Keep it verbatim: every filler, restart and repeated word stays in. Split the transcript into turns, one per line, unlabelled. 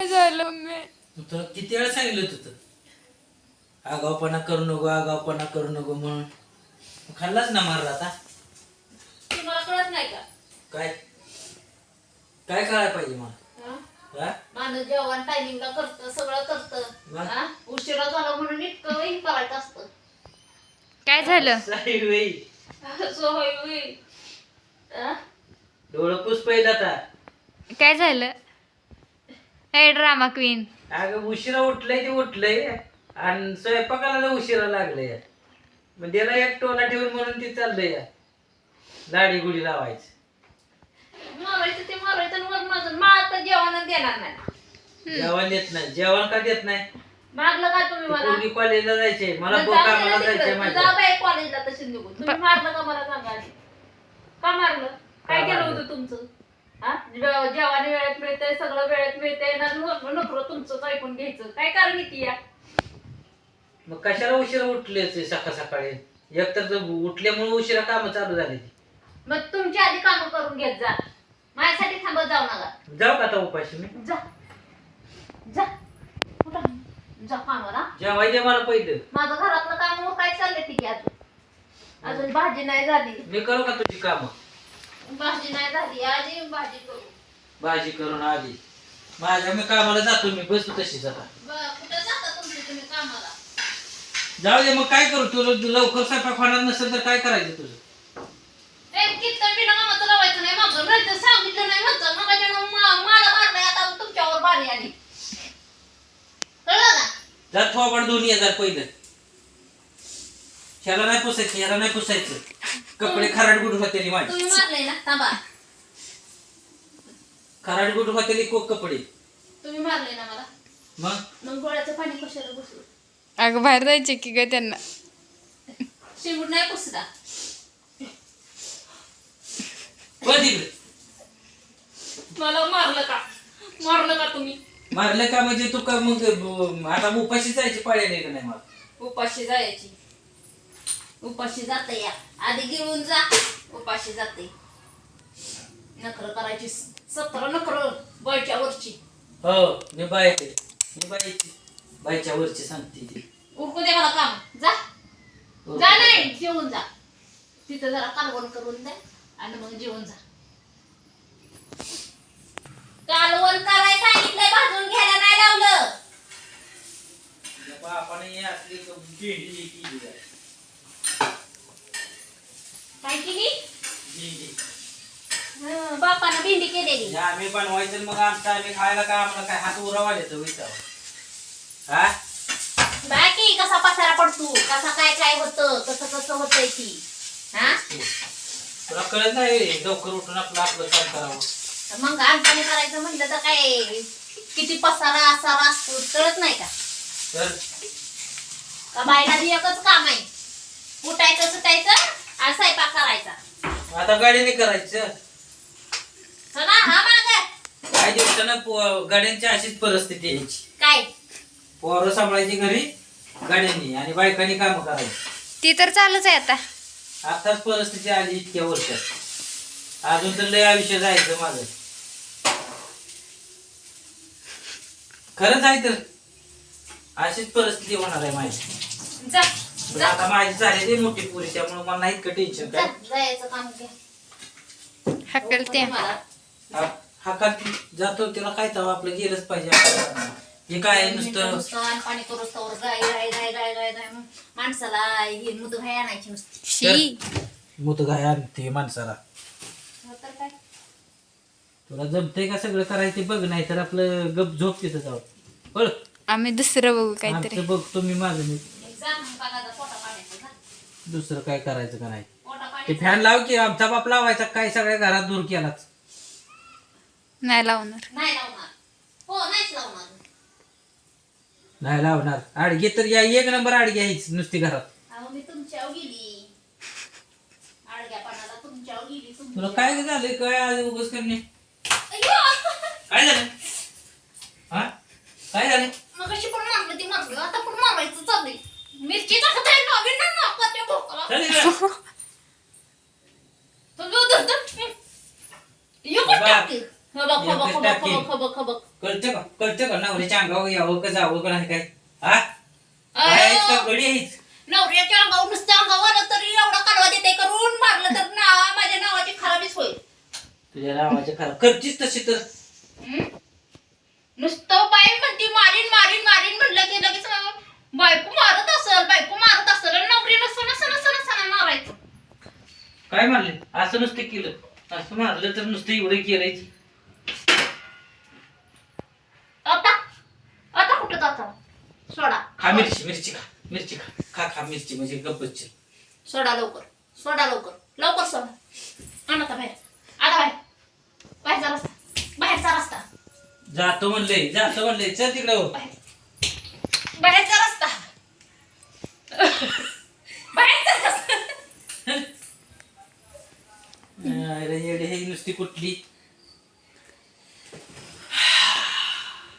झालं मी
तू तर किती वेळा सांगितलं होतं आगावपणा करू नको आगावपणा करू नको म्हणून खाल्लाच ना मारला आता.
तुम्हाला कळत नाही का
काय काय कळायला पाहिजे मला
हा?
हा?
माणूस जेवण टायमिंगला करतं सगळं करतं
वा.
हा? उशिरा झाला म्हणून इतकं हे करायचं असतं.
काय झालं
साई बाई,
असं होय होय. हा?
डोळं पुस पहिलं आता.
काय झालं हे ड्रामा क्वीन
अगं उशिरा उठलंय ते उठलंय आणि स्वयंपाकाला लय उशिरा लागलंय. मग त्याला एक टोला ठेवून म्हणून ते चाललंय दाढी गुडी लावायचं.
मारायचं ते मारायचं आणि वर माझं मा आता जेवण देणार नाही.
जेवण देत नाही. जेवण का देत नाही?
मारलं का तुम्ही मला
पूर्वी कॉलेजला जायचे मला
मग
बो
जाऊ दे
कामाला
ना
जायचंय
तिकडं.
माझ्या.
जा बाई कॉलेजला तशी निघून. तुम्ही मारलं का मला सांगा आधी. का मारलं काय
का
केलं
मारलं?
होतं तुमचं हा जेव- जेवण वेळेत मिळतंय सगळं वेळेत मिळतंय ना नको नको तुमचंच ऐकून घ्यायचं काय कारण किती या
मग कशाला उशिरा उठले ते सकाळ सकाळी? एकतर जर उठल्यामुळे उशिरा कामं चालू झाली.
मग तुमची आधी कामं करून घेत जा माझ्यासाठी थांबत जाऊ नका.
जाऊ का आता उपाशी मी?
जा जा कुठं जा कामाला.
जेवायचे मला पहिलं.
माझं घरातलं काम वर काय चाललंय ठीक आहे अजून अजून भाजी नाही झाली
मी करू का तुझी कामं?
भाजी नाही झाली आधी भाजी करू.
भाजी करून आधी माझ्या मी कामाला जातो. मी बसतो तशीच आता.
ब- कुठं जाता तुमची तुम्ही कामाला.
जाऊ दे मग काय करू तुला लवकर स्वयंपाक होणार नसेल तर काय करायचं तुझं?
ए, कीर्तन बिना कामाचं लावायचं नाही माझं नाही तर सांगितलं नाही म्हणतं मग त्याच्यानं मा- मला मारलंय आता तुमच्यावर बारी आली कळलं का.
जा थोबाड दोन्ही हजार पहिलं. ह्याला नाही पुसायचं ह्याला नाही पुसायचं. कपडे खराड गुड होते माझे.
तुम्ही मारलंय ना थांबा
खराड गुड होते को कपडे.
तुम्ही मारलंय ना मला
मग
मग गोळ्याचं पाणी कशाला घुसलं.
अगं बाहेर जायचे की ग त्यांना
शिवून नाही पुसला
बघ तिकडे.
मला मारलं का मारलं का तुम्ही.
मारलं का म्हणजे तू का मग ब- आता उपाशी जायची पाळी नाही का नाही मला?
उपाशी जायची उपाशी जाते या आधी गिळून जा उपाशी जाते नखर करायची सतरा नखर बायच्या वरची
हो मी बायचे मी बायची बायच्या वरची सांगते ती.
उरकू दे मला काम जा जा नाही जेवून जा तिथं जरा कालवण करून दे आणि मग जेवून जा. कालवण करायला सांगितलंय भाजून घ्यायला नाही लावलं.
बापाने हे असली क- भेंडी केली आहे.
काय केली
भेंडी.
हं, बापानं भेंडी केलेली.
हे आम्ही बनवायचं मग आमचं आम्ही खायला काय आम्हाला काय हात उरावाले तर विचार हा.
बाकी कसा पसारा पडतो कसा काय काय होतं कसं कसं होतंय ती हा
तुला कळत नाही लवकर उठून आपलं आपलं काम करावं.
मग आमच्याने करायचं म्हणलं तर काय किती पसारा असा असतो कळत नाही का.
तर
का बायला बी एकच काम आहे उठायचं सुटायचं आणि स्वयंपाक करायचा.
आता गाडीने करायचं.
चला हा माग
काही दिवसानं पो- गाड्यांची अशीच परिस्थिती यायची.
काय
पोरं सांभाळायची घरी गाड्यांनी आणि बायकांनी काम करायची.
ती तर चालूच आहे आता
आताच परिस्थिती आली इतक्या वर्षात. अजून तर लय आयुष्य जायचं माझं. खरंच आहे तर अशीच परिस्थिती होणार आहे माझी.
जा
पण आता माझी झाली ते मोठी पुरी त्यामुळे मला नाही इतकं टेन्शन
जा,
काय.
जायचं काम घ्या
हकलते
मला.
हा- हा का जातो तिला काय तर आपलं गेलंच पाहिजे आपलं. हे काय आहे नुसतं
नुसतं आणि पाणी करूस तर गाय गाय गाय गाय गाय गाय माणसाला ही मुद गाय आणायची नुसती.
शी
मुत गाय आणते माणसाला.
हो तर काय
तुला जमतंय का सगळं करायचं ते बघ नाही तर आपलं गप झोप तिथं जाऊ बळ.
आम्ही दुसरं बघू काहीतरी
आमचं बघ तुम्ही माझं मी
जा मग बघा पोटा पाण्याचं जा.
दुसरं काय करायचं का नाही.
पोटा
ते
पाण्याचं
फॅन लाव की आमचा बाप लावायचा काय सगळ्या घरात दूर केलाच.
नाही लावणार
नाही लावणार हो नाहीच लावणार.
नाही लावणार. आडगे तर या एक नंबर आडगे आहेच नुसती घरात.
अहो मी तुमच्यावर गेली आडग्यापणाला तुमच्यावर गेली
तुला
तुमच्या-
काय झालंय काय आज उगाच करणे.
अय्यो!
काय झालं हा काय झालं?
मग अशी पण मारलं ती मारलं आता पण मारायचं चाललंय. मिरची टाकत आहे नवीन ना नाकाच्या भोकाला.
चालेल का?
तो जो धरतो. यो कुठं
बघ.
टाकते? हो बघ, हो बघ, हो बघ,
एकच
हो बघ, हो बघ, हो बघ.
कळतं का कळतं कळतं का नवऱ्याच्या अंगावर यावं का जावं का नाही काय हा काय आहेस का गडी आहेस
नवऱ्याच्या अंगावर नुसतं अंगावर आलं तरी एवढा कालवा देते करून मारलं तर ना माझ्या नावाची खराबीच होईल.
तुझ्या नावाच्या खराब करतीस तशी तर
हं? नुसतं बाई म्हणती मारीन मारीन मारीन म्हणलं की लगेच बायको मारत असल बायको मारत असल आणि नवरी नसं नसं नसं नसं मारायचं.
काय मारले असं नुसतं केलं असं मारलं तर नुसतं एवढं केलंय
आता आता कुठं जाता सोडा
खा मिरची मिरची खा मिरची खा खा खा मिरची म्हणजे गप्पच
सोडा लवकर सोडा लवकर लवकर सोडा आण आता बाहेर आता बाहेर बाहेरचा रस्ता बाहेरचा रस्ता
जातो म्हणले जातो म्हणले चल तिकडे हो
बाहेर बाहेरचा रस्ता बाहेरचा रस्ता
अरे येडे हे नुसती कुठली